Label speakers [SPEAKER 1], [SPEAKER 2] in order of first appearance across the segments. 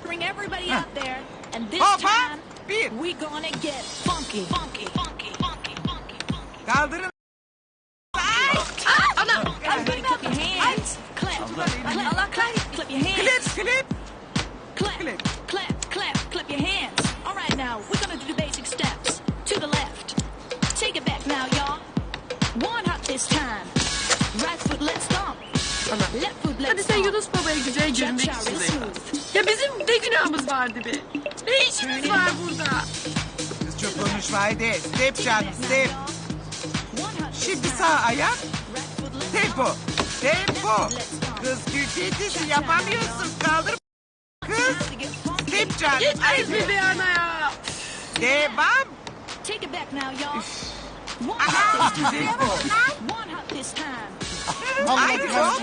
[SPEAKER 1] Bring everybody out there, and this
[SPEAKER 2] Hoppa!
[SPEAKER 1] time
[SPEAKER 2] Bir.
[SPEAKER 1] we gonna get funky, funky, funky, funky, funky, funky.
[SPEAKER 2] Kaldırın.
[SPEAKER 1] Everybody clap your hands. Clap, clap, clap, clap your hands.
[SPEAKER 2] Klip.
[SPEAKER 1] Clap, clap your hands. All right, now we're gonna do the basic steps. To the left. Take it back now, y'all. One hop this time. Right foot, let's stomp. Left foot, let's
[SPEAKER 3] Hadi sen
[SPEAKER 1] stomp.
[SPEAKER 3] Yunus Baba'ya güzel görünmek
[SPEAKER 1] Cha-cha, real
[SPEAKER 3] için.
[SPEAKER 1] smooth.
[SPEAKER 3] Ya bizim ne günahımız vardı be? Ne işimiz var burada?
[SPEAKER 2] Kız çok konuşma haydi. Step canım step. Şimdi sağ ayak. Tempo. Tempo. Kız küçüğütüsü yapamıyorsun. Kaldır. Kız. Step canım.
[SPEAKER 3] Yetmez mi be ana ya?
[SPEAKER 2] Devam.
[SPEAKER 1] Take it back now, y'all. One hop this time. One hop this time.
[SPEAKER 2] Haydi hop.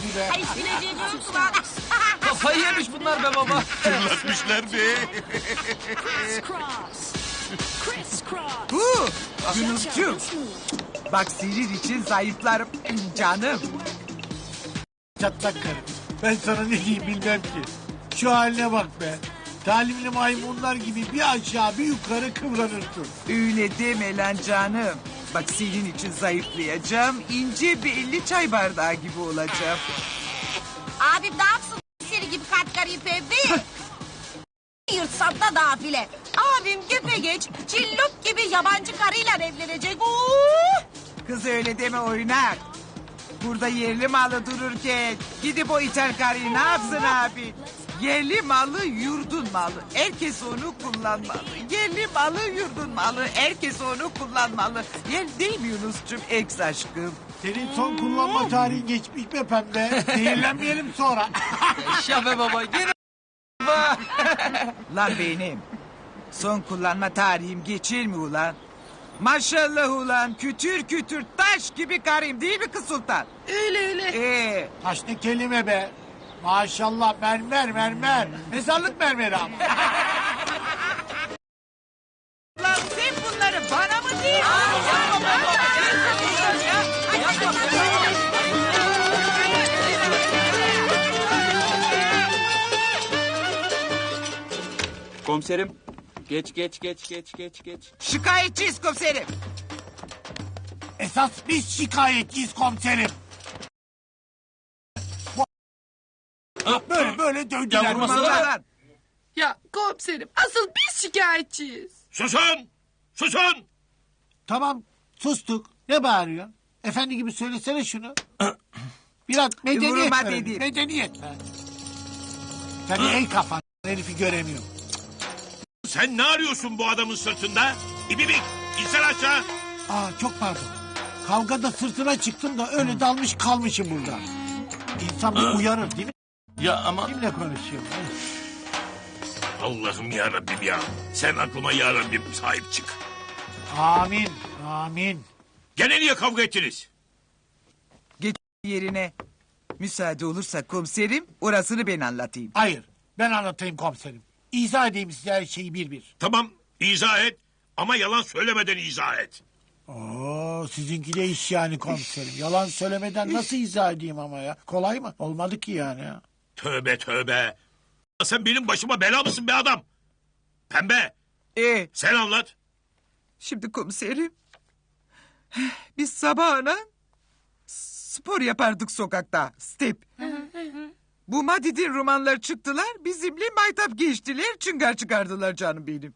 [SPEAKER 4] Kafayı yemiş bunlar be baba.
[SPEAKER 5] Fırlatmışlar be.
[SPEAKER 1] Crisscross. Crisscross.
[SPEAKER 2] Bu.
[SPEAKER 1] Cha-cha,
[SPEAKER 2] Yunus'cum.
[SPEAKER 1] real smooth.
[SPEAKER 2] Bak senin için zayıflarım. Canım.
[SPEAKER 6] Çatlak karı. Ben sana ne diyeyim bilmem ki. Şu haline bak be. Talimli maymunlar gibi bir aşağı bir yukarı kıvranırsın.
[SPEAKER 2] Öyle deme lan canım. Bak senin için zayıflayacağım. İnce bir 50 çay bardağı gibi olacağım.
[SPEAKER 7] Abim ne yapsın seni gibi katkarıyı pembe? Yırtsam da nafile. Abim geç cillop gibi yabancı karıyla evlenecek.
[SPEAKER 2] Kız öyle deme oynak. Burada yerli malı dururken gidip o ithal karıyı ne yapsın abi? Yerli malı yurdun malı. Herkes onu kullanmalı. Yerli malı yurdun malı. Herkes onu kullanmalı. Yer değil mi Yunus'cum ex aşkım?
[SPEAKER 6] Senin son kullanma tarihin geçmiş be pembe. Zehirlenmeyelim sonra.
[SPEAKER 4] Yaşa be baba. Gene
[SPEAKER 2] Lan benim. Son kullanma tarihim geçir mi ulan? Maşallah ulan kütür kütür taş gibi karıyım değil mi kız sultan?
[SPEAKER 3] Öyle.
[SPEAKER 6] Taş ne kelime be. Maşallah mermer. Mezarlık mermeri ama.
[SPEAKER 2] Lan sen bunları bana mı diyorsun?
[SPEAKER 4] Komiserim. Geç.
[SPEAKER 2] Şikayetçiyiz komiserim.
[SPEAKER 6] Esas biz şikayetçiyiz komiserim. Böyle dövdüler.
[SPEAKER 4] Ya vurmasana
[SPEAKER 6] bana.
[SPEAKER 4] be.
[SPEAKER 2] Lan.
[SPEAKER 3] Ya komiserim asıl biz şikayetçiyiz.
[SPEAKER 5] Susun.
[SPEAKER 6] Tamam sustuk. Ne bağırıyor? Efendi gibi söylesene şunu. Biraz medeniyet
[SPEAKER 2] Vurma
[SPEAKER 6] ver.
[SPEAKER 2] dedim.
[SPEAKER 6] Medeniyet ver. Sen ey kafan herifi göremiyorum.
[SPEAKER 5] Sen ne arıyorsun bu adamın sırtında? İbibik insan aşağı.
[SPEAKER 6] Çok pardon. Kavgada sırtına çıktım da öyle dalmış kalmışım burada. İnsan bir uyarır değil mi?
[SPEAKER 5] Ya ama...
[SPEAKER 6] Kimle konuşuyorum?
[SPEAKER 5] Allah'ım ya Rabbim ya. Sen aklıma ya Rabbim sahip çık.
[SPEAKER 6] Amin.
[SPEAKER 5] Gene niye kavga ettiniz?
[SPEAKER 2] Geç yerine. Müsaade olursa komiserim orasını ben anlatayım.
[SPEAKER 6] Hayır ben anlatayım komiserim. İzah edeyim size her şeyi bir.
[SPEAKER 5] Tamam izah et ama yalan söylemeden izah et.
[SPEAKER 6] Sizinki de iş yani komiserim. Yalan söylemeden nasıl izah edeyim ama ya? Kolay mı? Olmadı ki yani ya.
[SPEAKER 5] Tövbe. Sen benim başıma bela mısın be adam? Pembe sen anlat.
[SPEAKER 2] Şimdi komiserim. Biz sabahına spor yapardık sokakta. Step. Bu Madid'in romanlar çıktılar. Bizimle maytap geçtiler. Çıngar çıkardılar canım benim.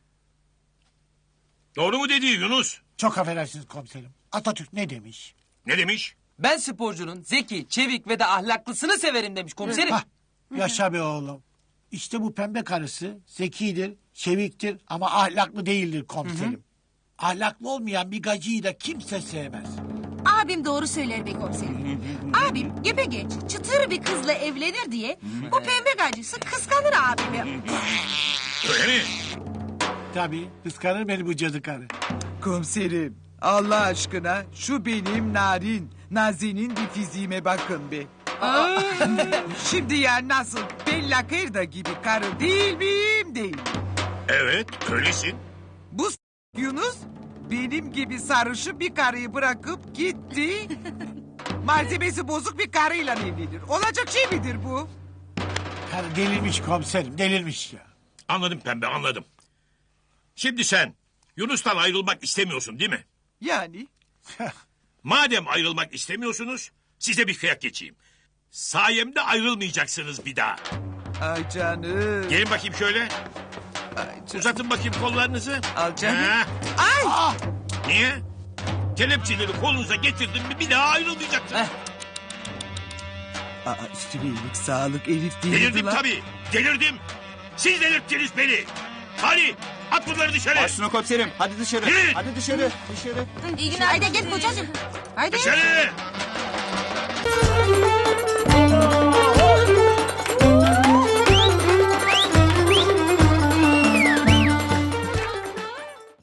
[SPEAKER 5] Doğru mu dedi Yunus?
[SPEAKER 6] Çok affedersiniz komiserim. Atatürk ne demiş?
[SPEAKER 5] Ne demiş?
[SPEAKER 4] Ben sporcunun zeki, çevik ve de ahlaklısını severim demiş komiserim.
[SPEAKER 6] Hah, yaşa be oğlum. İşte bu pembe karısı zekidir, çeviktir ama ahlaklı değildir komiserim. Ahlaklı olmayan bir gacıyı da kimse sevmez.
[SPEAKER 7] Abim doğru söyler be komiserim. Abim geç çıtır bir kızla evlenir diye bu pembe gacısı kıskanır abimi.
[SPEAKER 5] Öyle mi?
[SPEAKER 6] Tabii kıskanır beni bu cadı karı.
[SPEAKER 2] Komiserim Allah aşkına şu benim Nazi'nin bir fiziğime bakın be. Şimdi ya nasıl Bella Kırda gibi karı değil miyim değil.
[SPEAKER 5] Evet öylesin.
[SPEAKER 2] Bu Yunus benim gibi sarışı bir karıyı bırakıp gitti. Malzemesi bozuk bir karıyla evlenir. Olacak şey midir bu?
[SPEAKER 6] Karı delirmiş komiserim, delirmiş ya.
[SPEAKER 5] Anladım pembe, anladım. Şimdi sen Yunus'tan ayrılmak istemiyorsun değil mi?
[SPEAKER 2] Yani
[SPEAKER 5] Madem ayrılmak istemiyorsunuz, size bir kıyak geçeyim. Sayemde ayrılmayacaksınız bir daha.
[SPEAKER 2] ay canım.
[SPEAKER 5] Gelin bakayım şöyle.
[SPEAKER 2] Ay canım.
[SPEAKER 5] Uzatın bakayım kollarınızı.
[SPEAKER 2] Al canım.
[SPEAKER 5] Ha,
[SPEAKER 2] Ay.
[SPEAKER 5] niye? Kelepçeleri kolunuza getirdim mi bir daha ayrılmayacaksınız.
[SPEAKER 2] Aa, üstüne iyilik sağlık Elif değil
[SPEAKER 5] Delirdim
[SPEAKER 2] lan.
[SPEAKER 5] tabii. Delirdim. Siz delirttiniz beni. Hadi at bunları dışarı.
[SPEAKER 8] Başüstüne komiserim. Hadi dışarı.
[SPEAKER 5] Yürü.
[SPEAKER 8] Hadi dışarı. Dışarı.
[SPEAKER 7] İyi günler. Haydi gel kocacığım. Haydi.
[SPEAKER 5] Dışarı.